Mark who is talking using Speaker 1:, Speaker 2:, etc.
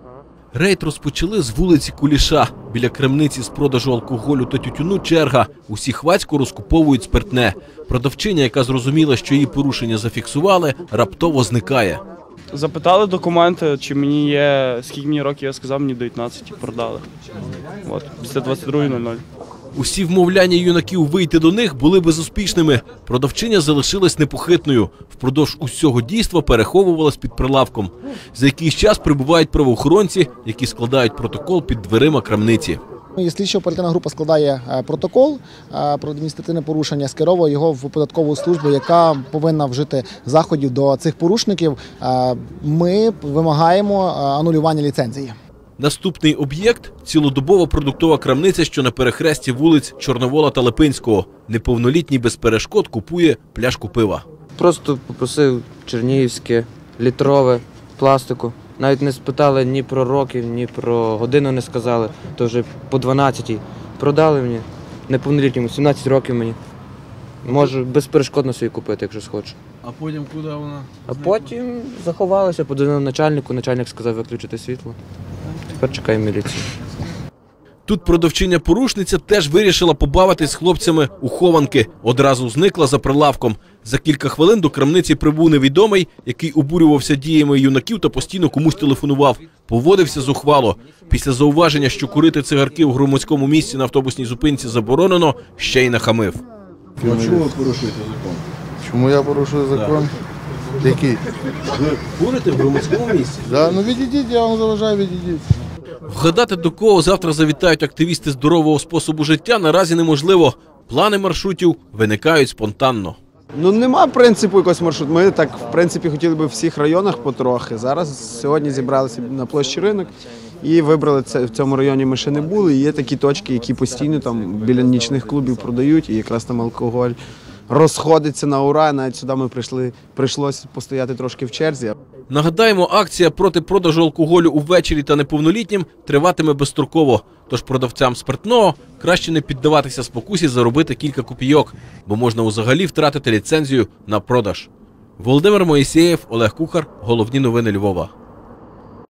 Speaker 1: Рейд розпочали з вулиці Куліша. Біля крамниці з продажу алкоголю та тютюну черга. Усі хвацько розкуповують спиртне. Продавчиня, яка зрозуміла, що її порушення зафіксували, раптово зникає.
Speaker 2: Запитали документи, чи мені є, скільки мені років, я сказав, мені 19 і продали. От, після 22:00.
Speaker 1: Усі вмовляння юнаків вийти до них були безуспішними. Продавчиня залишилась непохитною. Впродовж усього дійства переховувалась під прилавком. За якийсь час прибувають правоохоронці, які складають протокол під дверима крамниці.
Speaker 3: Слідчо-оперативна група складає протокол про адміністративне порушення, скеровує його в податкову службу, яка повинна вжити заходів до цих порушників. Ми вимагаємо анулювання ліцензії.
Speaker 1: Наступний об'єкт – цілодобова продуктова крамниця, що на перехресті вулиць Чорновола та Липинського. Неповнолітній без перешкод купує пляшку пива.
Speaker 4: Просто попросив чернігівське, літрове, пластику. Навіть не спитали ні про років, ні про годину не сказали. То вже по 12-й. Продали мені, неповнолітньому, 17 років мені. Можу безперешкодно собі купити, якщо схочу.
Speaker 1: А потім куди вона?
Speaker 4: А потім заховалися, подзвонив начальнику, начальник сказав виключити світло. Тепер чекаю міліцію.
Speaker 1: Тут продавчиня-порушниця теж вирішила побавитись з хлопцями у хованки. Одразу зникла за прилавком. За кілька хвилин до крамниці прибув невідомий, який обурювався діями юнаків та постійно комусь телефонував. Поводився зухвало. Після зауваження, що курити цигарки в громадському місці на автобусній зупинці заборонено, ще й нахамив.
Speaker 5: А чому ви порушуєте закон?
Speaker 6: Чому я порушую закон? Який?
Speaker 5: Ви курите в громадському місці?
Speaker 6: Да, ну відійдіть, я вам заважаю, відійдіть.
Speaker 1: Вгадати, до кого завтра завітають активісти здорового способу життя, наразі неможливо. Плани маршрутів виникають спонтанно.
Speaker 7: Ну, нема принципу якогось маршруту. Ми так, в принципі, хотіли би в всіх районах потрохи. Сьогодні зібралися на площі Ринок і вибрали це. В цьому районі ми ще не були. І є такі точки, які постійно там біля нічних клубів продають, і якраз там алкоголь розходиться на ура. Навіть сюди ми прийшлося постояти трошки в черзі.
Speaker 1: Нагадаємо, акція проти продажу алкоголю увечері та неповнолітнім триватиме безстроково. Тож продавцям спиртного краще не піддаватися спокусі заробити кілька копійок, бо можна взагалі втратити ліцензію на продаж. Володимир Моїсеєв, Олег Кухар. Головні новини Львова.